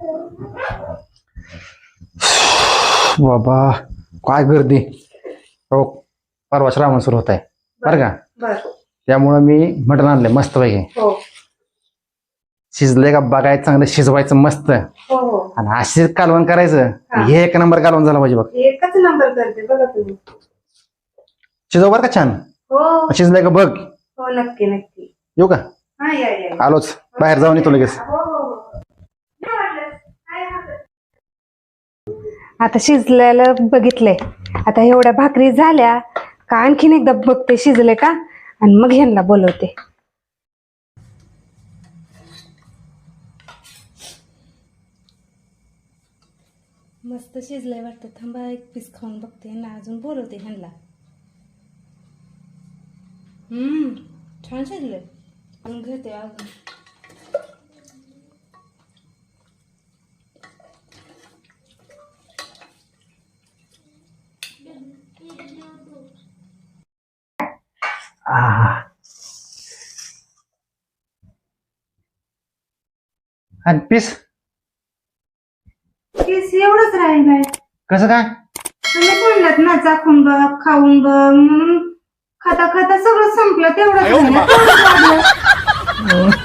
बाबा काय गर्दी हो. परवा श्रावण सुरू होत आहे बरं का. त्यामुळं मी मटण आणलंय मस्त पैकी. शिजलंय का बघायचं, चांगलं शिजवायचं मस्त आणि अशीच कालवण करायचं. हे एक नंबर कालवण झालं पाहिजे बघ. एकच नंबर करते बघा तुम्ही. शिजव बरं का छान. हो शिजलंय का बघ. हो नक्की नक्की येऊ का. हा या आलोच, बाहेर जाऊन येतो लगेच. आता शिजलेलं बघितलंय. आता एवढ्या भाकरी झाल्या का आणखीन एकदा बघते शिजले का आणि मग ह्यांना बोलवते. मस्त शिजलंय वाटतं. थांबा एक पीस खाऊन बघते ना अजून बोलवते ह्यांना. छान शिजलंय. अजून घेते अजून. आणि पीस पीस एवढंच राहिलाय. कसं काय. तुम्ही म्हणलात ना चाखून बघ खाऊन बघ म्हणून खाता खाता सगळं संपलं तेवढंच.